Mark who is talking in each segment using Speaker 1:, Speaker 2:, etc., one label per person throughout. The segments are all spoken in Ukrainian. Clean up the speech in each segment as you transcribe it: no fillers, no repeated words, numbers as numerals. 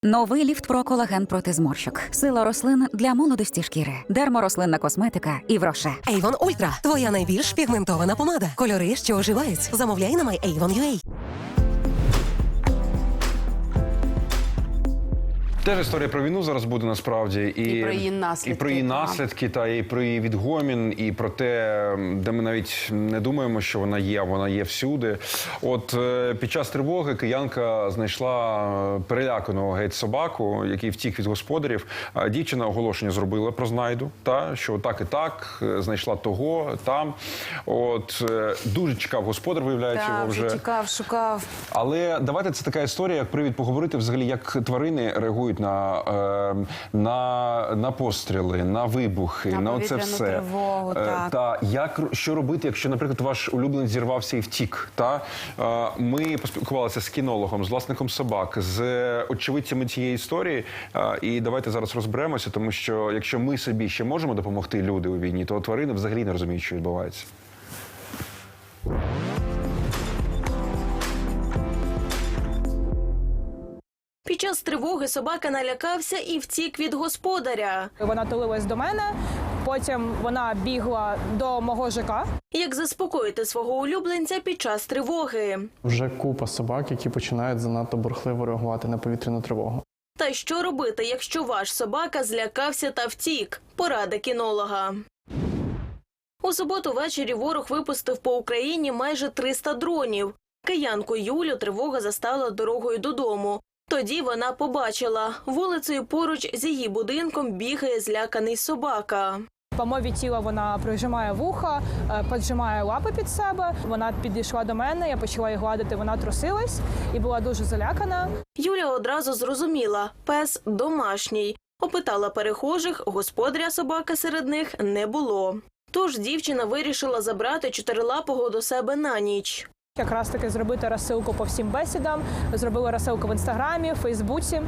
Speaker 1: Новий Ліфт Про колаген проти зморщок. Сила рослин для молодості шкіри. Дерморослинна косметика і Роше.
Speaker 2: Avon Ultra – твоя найбільш пігментована помада. Кольори, що оживають. Замовляй на MyAvon.ua.
Speaker 3: Теж історія про війну зараз буде насправді.
Speaker 4: І про її наслідки.
Speaker 3: І про її наслідки, та і про її відгомін, і про те, де ми навіть не думаємо, що вона є всюди. От під час тривоги киянка знайшла переляканого геть собаку, який втік від господарів. Дівчина оголошення зробила про знайду, що так і так, знайшла того, там. От дуже чекав господар, виявляється, його вже.
Speaker 4: Так, чекав, шукав.
Speaker 3: Але давайте, це така історія, як привід поговорити взагалі, як тварини реагують на постріли, на вибухи, на оце все.
Speaker 4: Тривогу, так.
Speaker 3: Що робити, якщо, наприклад, ваш улюбленець зірвався і втік? Ми поспілкувалися з кінологом, з власником собак, з очевидцями цієї історії. І давайте зараз розберемося, тому що якщо ми собі ще можемо допомогти, люди у війні, то тварини взагалі не розуміють, що відбувається.
Speaker 5: Під час тривоги собака налякався і втік від господаря.
Speaker 6: Вона тулилась до мене, потім вона бігла до мого ЖК.
Speaker 5: Як заспокоїти свого улюбленця під час тривоги?
Speaker 7: Вже купа собак, які починають занадто бурхливо реагувати на повітряну тривогу.
Speaker 5: Та що робити, якщо ваш собака злякався та втік? Порада кінолога. У суботу ввечері ворог випустив по Україні майже 300 дронів. Киянку Юлю тривога застала дорогою додому. Тоді вона побачила, вулицею поруч з її будинком бігає зляканий собака.
Speaker 6: По мові тіла вона прижимає вуха, поджимає лапи під себе. Вона підійшла до мене, я почала її гладити, вона трусилась і була дуже залякана.
Speaker 5: Юля одразу зрозуміла – пес домашній. Опитала перехожих, господаря собаки серед них не було. Тож дівчина вирішила забрати чотирилапого до себе на ніч.
Speaker 6: Якраз таки зробити розсилку по всім бесідам, зробила розсилку в Інстаграмі, в Фейсбуці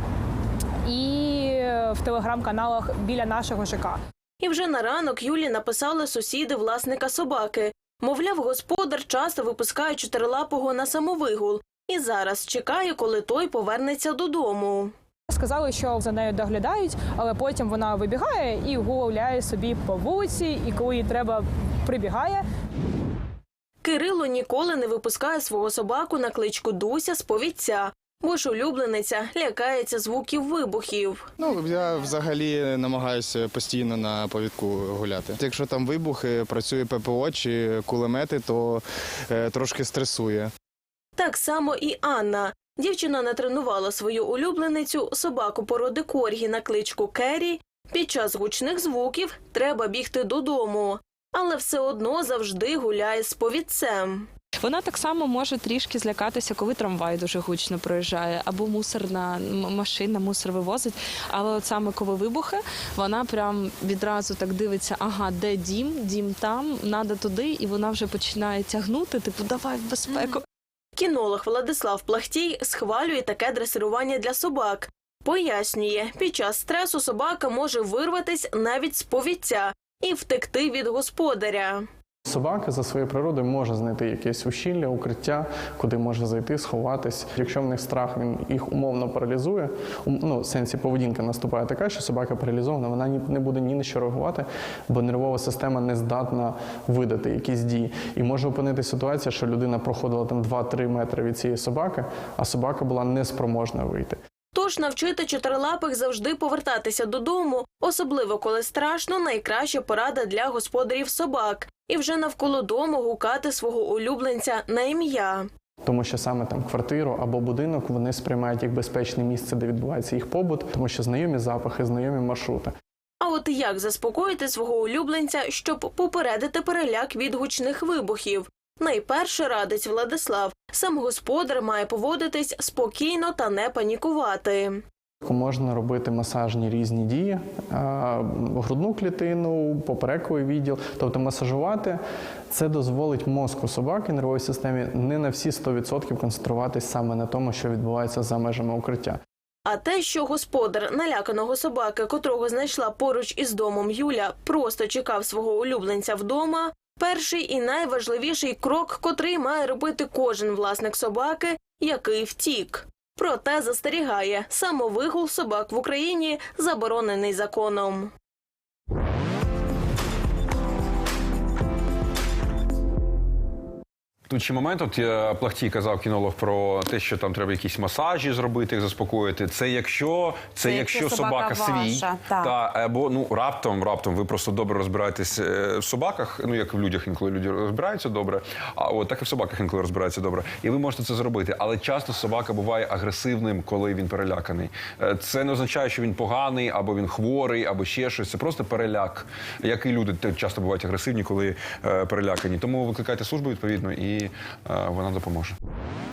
Speaker 6: і в телеграм-каналах біля нашого ЖК.
Speaker 5: І вже на ранок Юлі написали сусіди власника собаки. Мовляв, господар часто випускає чотирилапого на самовигул і зараз чекає, коли той повернеться додому.
Speaker 6: Сказали, що за нею доглядають, але потім вона вибігає і гуляє собі по вулиці, і коли їй треба, прибігає.
Speaker 5: Кирило ніколи не випускає свого собаку на кличку Дуся з повідця, бо ж улюблениця лякається звуків вибухів.
Speaker 8: Я взагалі намагаюся постійно на повідку гуляти. Якщо там вибухи, працює ППО чи кулемети, то трошки стресує.
Speaker 5: Так само і Анна. Дівчина натренувала свою улюбленицю, собаку породи коргі на кличку Керрі. Під час гучних звуків треба бігти додому. Але все одно завжди гуляє з повідцем.
Speaker 9: Вона так само може трішки злякатися, коли трамвай дуже гучно проїжджає, або мусорна машина мусор вивозить. Але от саме коли вибухи, вона прям відразу так дивиться, ага, де дім, дім там, треба туди, і вона вже починає тягнути, типу, давай в безпеку.
Speaker 5: Кінолог Владислав Плахтій схвалює таке дресирування для собак. Пояснює, під час стресу собака може вирватись навіть з повідця і втекти від господаря.
Speaker 7: Собака за своєю природою може знайти якесь ущілля, укриття, куди може зайти, сховатись. Якщо в них страх, він їх умовно паралізує, в сенсі поведінка наступає така, що собака паралізована, вона не буде ні на що реагувати, бо нервова система не здатна видати якісь дії. І може опинитися ситуація, що людина проходила там 2-3 метри від цієї собаки, а собака була неспроможна вийти.
Speaker 5: Тож навчити чотирилапих завжди повертатися додому, особливо коли страшно, найкраща порада для господарів собак. І вже навколо дому гукати свого улюбленця на ім'я.
Speaker 7: Тому що саме там квартиру або будинок вони сприймають як безпечне місце, де відбувається їх побут, тому що знайомі запахи, знайомі маршрути.
Speaker 5: А от як заспокоїти свого улюбленця, щоб попередити переляк від гучних вибухів? Найперше радить Владислав. Сам господар має поводитись спокійно та не панікувати.
Speaker 7: Можна робити масажні різні дії, грудну клітину, поперековий відділ. Тобто масажувати – це дозволить мозку собаки, нервовій системі не на всі 100% концентруватись саме на тому, що відбувається за межами укриття.
Speaker 5: А те, що господар наляканого собаки, котрого знайшла поруч із домом Юля, просто чекав свого улюбленця вдома – перший і найважливіший крок, котрий має робити кожен власник собаки, який втік. Проте застерігає, самовигул собак в Україні заборонений законом.
Speaker 3: Тут ще момент, от Плахтій казав, кінолог, про те, що там треба якісь масажі зробити, їх заспокоїти. Це якщо собака свій,
Speaker 4: ваша, так.
Speaker 3: або раптом ви просто добре розбираєтесь в собаках, ну як в людях інколи люди розбираються добре, а от так і в собаках інколи розбираються добре. І ви можете це зробити. Але часто собака буває агресивним, коли він переляканий. Це не означає, що він поганий, або він хворий, або ще щось. Це просто переляк. Як і люди часто бувають агресивні, коли перелякані. Тому викликайте службу відповідно і вона допоможе.